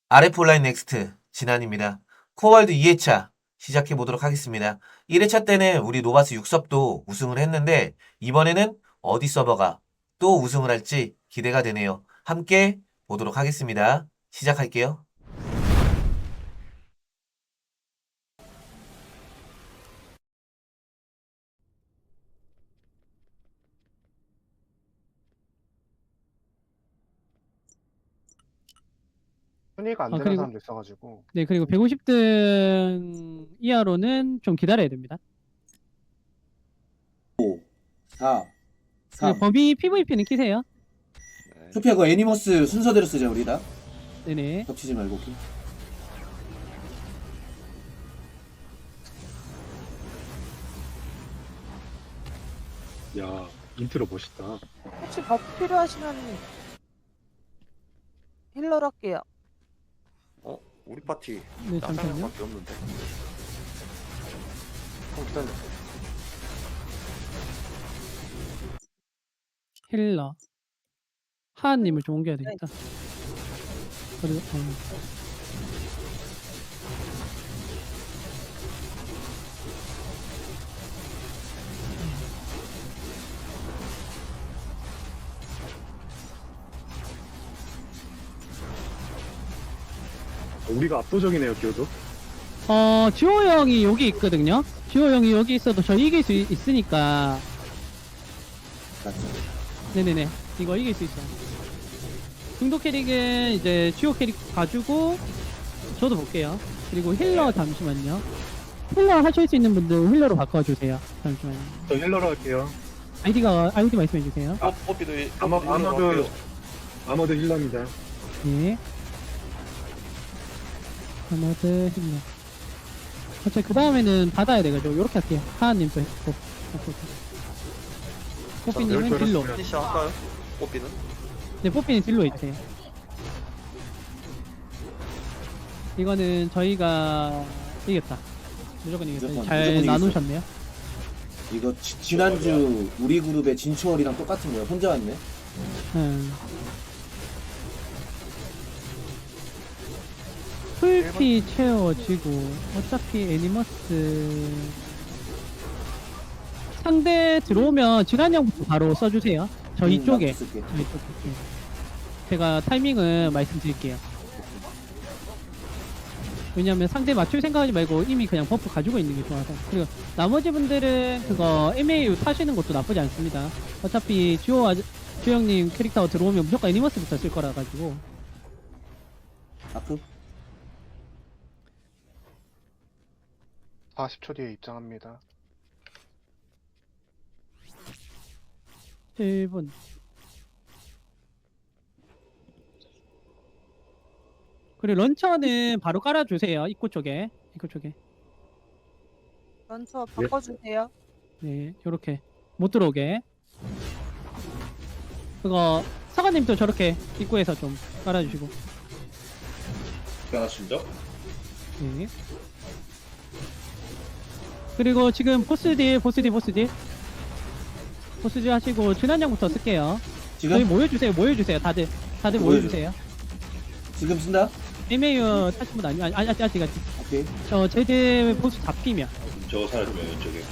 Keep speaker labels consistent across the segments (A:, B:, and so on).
A: RF 온라인 넥스트 진한입니다. 코어월드 2회차 시작해 보도록 하겠습니다. 1회차 때는 우리 노바스 6섭도 우승을 했는데 이번에는 어디 서버가 또 우승을 할지 기대가 되네요. 함께 보도록 하겠습니다. 시작할게요.
B: 순위가 안 되는
C: 그리고
B: 사람도 있어가지고.
C: 네, 그리고 150등 이하로는 좀 기다려야 됩니다.
D: 4,
C: 그리고
D: 3.
C: 범위 PVP는 키세요.
D: 소피아 그거 애니머스 순서대로 쓰자 우리 다.
C: 네네.
D: 겹치지 말고. 오케이.
B: 야, 인트로 멋있다.
E: 혹시 버프 필요하시면 힐러로 할게요.
F: 우리 파티
C: 네,
F: 나
C: 잠시만요.
F: 명밖에 없는데. 기다려.
C: 힐러. 하하님을 좀 옮겨야 되겠다. 그리고
B: 우리가 압도적이네요, 기어도.
C: 지호 형이 여기 있거든요. 지호 형이 여기 있어도 저 이길 수 있으니까. 네네네. 이거 이길 수 있어요. 중도 캐릭은 이제 지호 캐릭 봐주고 저도 볼게요. 그리고 힐러 잠시만요. 힐러 하실 수 있는 분들 힐러로 바꿔주세요. 잠시만요.
B: 저 힐러로 할게요.
C: 아이디 말씀해 주세요.
F: 뽀삐도
B: 아머드 힐러입니다.
C: 네. 아마드 힐러. 어차피 그 다음에는 받아야 돼가지고 요렇게 할게요. 하하님 또 했고. 뽀삐님은 딜로.
F: 피니시 할까요? 뽀삐는?
C: 네, 뽀삐는 딜로 해주세요. 이거는 저희가 이겼다. 무조건 이겼다.
D: 무조건
C: 잘
D: 이겼어.
C: 나누셨네요.
D: 이거 지난주 우리 그룹의 진추월이랑 똑같은 거야. 혼자 왔네.
C: 풀피 채워지고 어차피 애니머스 상대 들어오면 지간형부터 바로 써주세요. 저희 쪽에.
D: 나도 쓸게.
C: 저희 쪽에. 네. 제가 타이밍은 말씀드릴게요. 왜냐면 상대 맞출 생각하지 말고 이미 그냥 버프 가지고 있는 게 좋아서. 그리고 나머지 분들은 그거 MAU 타시는 것도 나쁘지 않습니다. 어차피 지호 형님 캐릭터 들어오면 무조건 애니머스부터 쓸 거라 가지고.
D: 아프?
B: 40초 뒤에 입장합니다.
C: 1분. 그리고 런처는 바로 깔아주세요. 입구 쪽에.
E: 런처 바꿔주세요.
C: 네, 요렇게. 못 들어오게. 그거, 사관님도 저렇게 입구에서 좀 깔아주시고.
F: 하나씩죠?
C: 네. 그리고 지금 보스딜 하시고, 진한장부터 쓸게요. 저희
D: 지금?
C: 모여주세요. 다들 모여주세요.
D: 지금 쓴다?
C: MAU 타신 분 아직.
D: 오케이.
C: 저 제드 보스 잡히면.
F: 저거 사라지면 왼쪽에.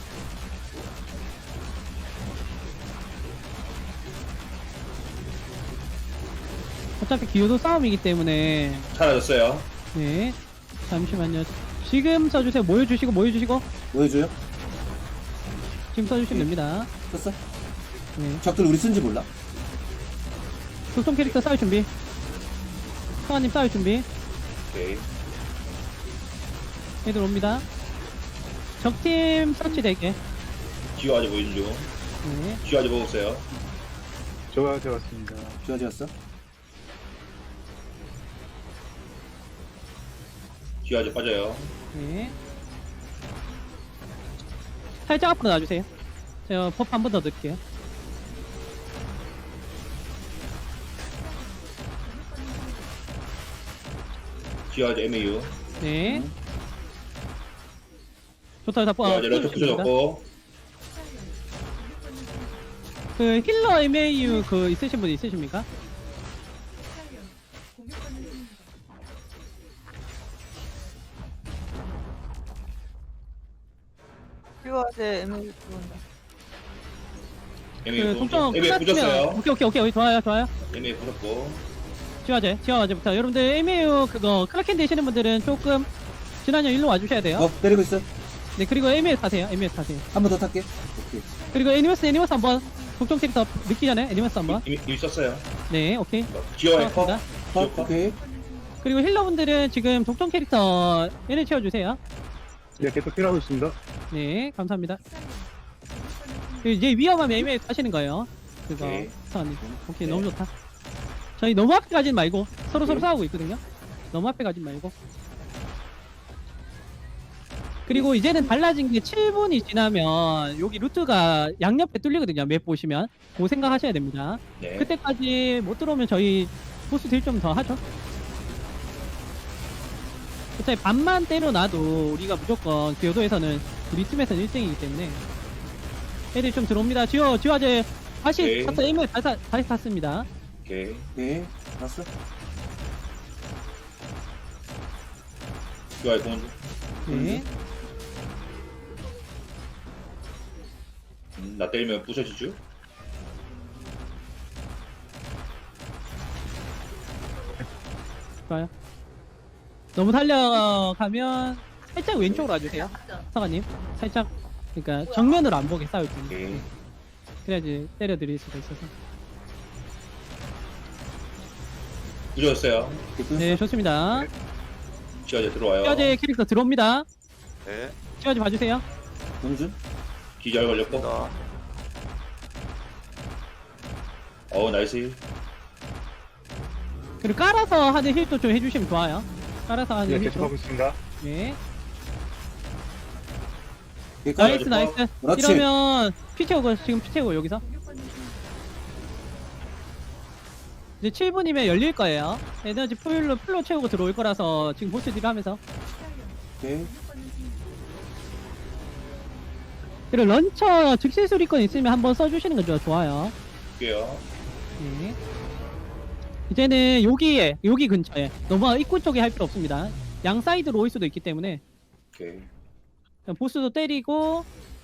C: 어차피 기호도 싸움이기 때문에.
F: 사라졌어요.
C: 네. 잠시만요. 지금 써주세요. 모여주시고.
D: 보여줘요?
C: 지금 써주시면 됩니다.
D: 썼어?
C: 네.
D: 적들 우리 쓴지 몰라.
C: 교통 캐릭터 싸울 준비. 성아님 싸울 준비.
F: 오케이.
C: 애들 옵니다. 적팀 서치 대게.
F: 지호 아직 보이는 중.
C: 네.
F: 지호 아직 먹었어요.
B: 좋아요, 되었습니다.
D: 좋아졌어?
F: 지호 아직 빠져요.
C: 네. 살짝 앞으로 놔주세요. 제가 버프 한 번 더 넣을게요.
F: 지호 아직 MAU.
C: 네. 좋다.
F: 지호 아직 런처 붙여줬고.
C: 그 힐러 MAU 그 있으신 분 있으십니까?
E: 듀화제 MA 들어온다.
F: MAU
C: 그 독점
F: MAU 부셨어요.
C: 오케이 좋아요.
F: MAU 부셨고.
C: 지화제부터 여러분들 MAU 그거 클라켄 되시는 분들은 조금 지난년 일로 와주셔야 돼요.
D: 때리고 있어.
C: 네 그리고 MAS 타세요.
D: 한 번 더 탈게. 오케이.
C: 그리고 애니머스 한번 독점 캐릭터 늦기 전에 애니머스 한번.
F: 이미 썼어요.
C: 네 오케이.
F: 기어 에퍼.
C: 고맙습니다.
D: 오케이.
C: 그리고 힐러분들은 지금 독점 캐릭터 얘를 채워주세요.
B: 네, 계속 필요하고 있습니다.
C: 네 감사합니다. 그리고 이제 위험하면 MAS 하시는 거예요. 그거
F: 오케이.
C: 사장님. 오케이
F: 네.
C: 너무 좋다. 저희 너무 앞에 가진 말고 서로 싸우고 있거든요. 너무 앞에 가진 말고. 그리고 이제는 달라진 게 7분이 지나면 여기 루트가 양옆에 뚫리거든요. 맵 보시면 그 생각하셔야 됩니다.
F: 네.
C: 그때까지 못 들어오면 저희 보스 딜 좀 더 하죠. 어차피 반만 때려놔도 우리가 무조건 교도에서는 우리 팀에서는 1등이기 때문에 애들 좀 들어옵니다. 지화제 다시
F: 오케이.
C: 탔어. 에임을 다시 탔습니다.
F: 오케이.
D: 오케이. 알았어.
F: 기어 공원.
C: 네.
F: 나 때리면 부셔지죠?
C: 좋아요. 너무 달려가면 살짝 왼쪽으로 와주세요. 사관님. 살짝 그러니까 정면으로 안 보게 싸울 때.
F: 오케이.
C: 그래야지 때려드릴 수가 있어서.
F: 부셨어요.
C: 네 좋습니다.
F: 기어제 들어와요.
C: 지화제 캐릭터 들어옵니다.
G: 네.
C: 지화제 봐주세요.
D: 영준.
F: 기절 걸렸고. 나이스.
C: 그리고 깔아서 하는 힐도 좀 해주시면 좋아요. 깔아서 하는
B: 네,
C: 힐.
B: 계속 하고 있습니다.
C: 네.
D: 오케이.
C: 나이스 나이스.
D: 그렇지.
C: 이러면 피 채우고 지금 피 채우고 여기서. 이제 7분이면 열릴 거예요. 에너지 풀로 채우고 들어올 거라서 지금 보스 딜 하면서.
D: 오케이.
C: 그리고 런처 즉시 수리권 있으면 한번 써주시는 거 좋아요.
F: 볼게요.
C: 네. 이제는 여기 근처에 너무 입구 쪽에 할 필요 없습니다. 양 사이드로 올 수도 있기 때문에
F: 오케이.
C: 그냥 보스도 때리고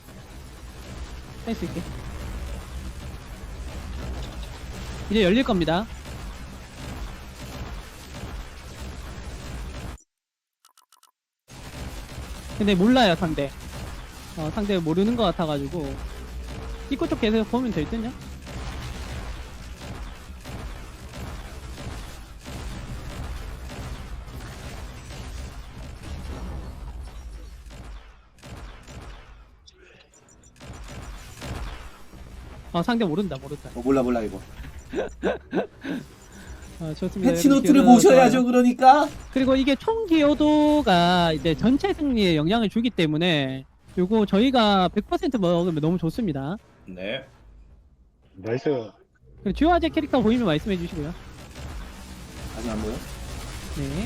C: 할 수 있게. 이제 열릴 겁니다. 근데 몰라요 상대. 상대 모르는 것 같아가지고 입구 쪽 계속 보면 될 듯요. 상대 모른다.
D: 몰라 이거.
C: 좋습니다.
D: 패치 노트를
C: 기어도
D: 보셔야죠.
C: 좋아요.
D: 그러니까.
C: 그리고 이게 총 기여도가 이제 전체 승리에 영향을 주기 때문에 요거 저희가 100% 먹으면 너무 좋습니다.
F: 네.
B: 나이스.
C: 그리고 주화제 캐릭터 보이면 말씀해 주시고요.
D: 아직 안 보여?
C: 네.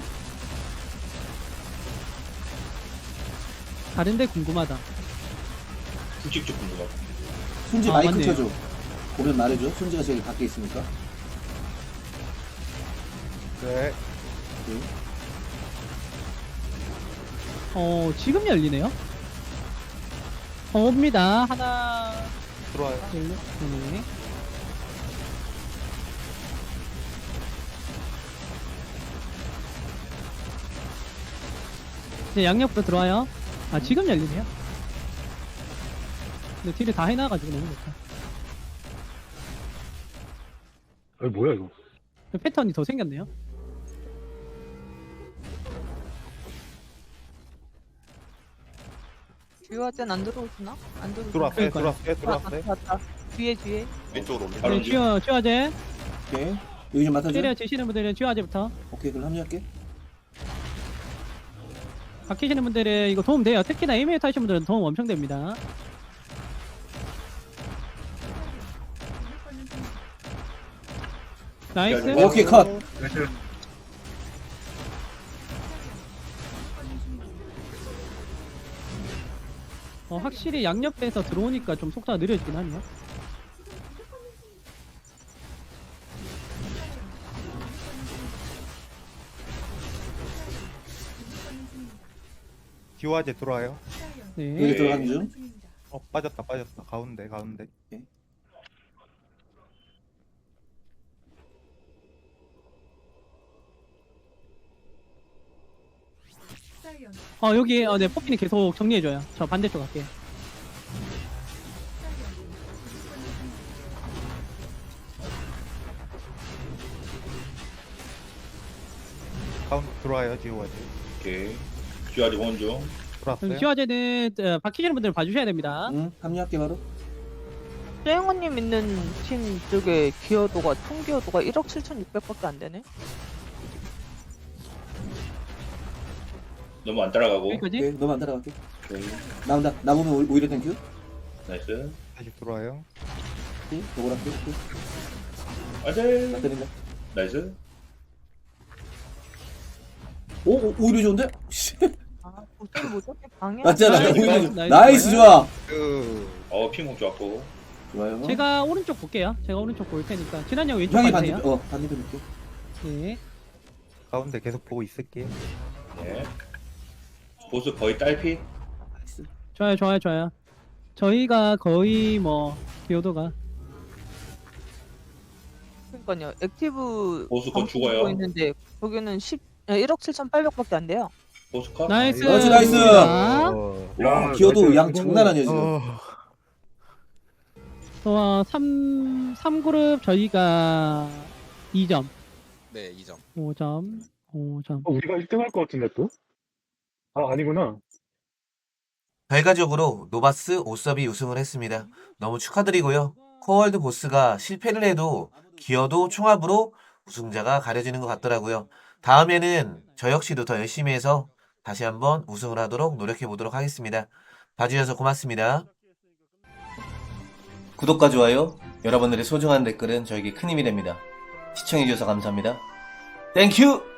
C: 다른데 궁금하다.
F: 솔직히 좀 궁금하다.
D: 손지
C: 아,
D: 마이크
C: 맞네요.
D: 켜줘. 보면 말해줘. 손지가 저기 밖에 있으니까.
G: 네.
C: 지금 열리네요. 옵니다. 하나,
G: 들어와요.
C: 둘, 네. 이제 양옆으로 들어와요. 지금 열리네요. 근데 딜을 다 해놔가지고 너무 좋다.
B: 뭐야 이거?
C: 패턴이 더 생겼네요.
E: 듀화제는 안 들어오시나? 안 들어오시나?
G: 들어왔어요.
C: 그러니까요.
G: 들어왔어요.
E: 왔다. 뒤에.
G: 왼쪽으로 옵니다.
F: 바로
C: 쥐어제
D: 오케이. 여기 좀 맡아줘.
C: 때려지시는 분들은 쥐어제부터
D: 오케이. 그럼 합류할게.
C: 바뀌시는 분들은 이거 도움 돼요. 특히나 에이메일 타시는 분들은 도움 엄청 됩니다. 나이스.
D: 오케이. 컷.
B: 나이스.
C: 확실히 양옆에서 들어오니까 좀 속도가 느려지긴 하네요.
G: 기와제 들어와요.
C: 네.
D: 여기 들어가는 중.
G: 빠졌다 가운데
C: 여기 네, 뽑기는 계속 정리해줘요. 저 반대쪽 갈게요.
G: 가운데 들어와요 지호아지.
F: 오케이. 쥐아지 원중.
G: 들어왔어요.
C: 시화제는 박히시는 분들 봐주셔야 됩니다.
D: 응, 합류할게 바로.
E: 쨍호님 있는 팀 쪽에 기여도가 총 기여도가 1억 7,600밖에 안 되네.
F: 너무 안 따라가고.
C: 여기까지.
D: 오케이, 너만 따라갈게. 오케이. 나온다. 나 보면 오히려 땡큐.
F: 나이스.
G: 다시 들어와요.
D: 오케이, 저걸 할게. 오케이. 나
F: 아들.
D: 때린다.
F: 나이스.
D: 오, 오히려 좋은데? 씨.
E: 아, 보통 뭐 저렇게 방해.
D: 맞잖아.
C: 나이스,
D: 오히려
C: 나이스,
D: 좋
C: 나이스.
D: 나이스, 좋아.
F: 핑공 좋았고.
D: 좋아요.
C: 제가 오른쪽 볼게요. 제가 오른쪽 볼 테니까. 진한 형 왼쪽
D: 형이
C: 봐주세요.
D: 반대편 볼게.
C: 네.
G: 가운데 계속 보고 있을게요.
F: 네. 보스 거의 딸피.
D: 나이스.
C: 좋아요. 저희가 거의 뭐 기여도가
E: 그러니까요. 액티브
F: 보수 곧
E: 방송
F: 죽어요.
E: 보고 있는데 거기는 1억 7,800밖에 안 돼요.
F: 보스 컷.
C: 나이스.
D: 나이스.
C: 자,
D: 와, 기어도 양
B: 그거는-
D: 장난 아니야, 지금.
C: 3그룹 저희가 2점.
H: 네, 2점.
C: 5점.
B: 우리가 1등 할 것 같은데 또? 아, 아니구나.
A: 결과적으로 노바스 오섭이 우승을 했습니다. 너무 축하드리고요. 코어월드 보스가 실패를 해도 기여도 총합으로 우승자가 가려지는 것 같더라고요. 다음에는 저 역시도 더 열심히 해서 다시 한번 우승을 하도록 노력해 보도록 하겠습니다. 봐주셔서 고맙습니다. 구독과 좋아요, 여러분들의 소중한 댓글은 저에게 큰 힘이 됩니다. 시청해주셔서 감사합니다. 땡큐!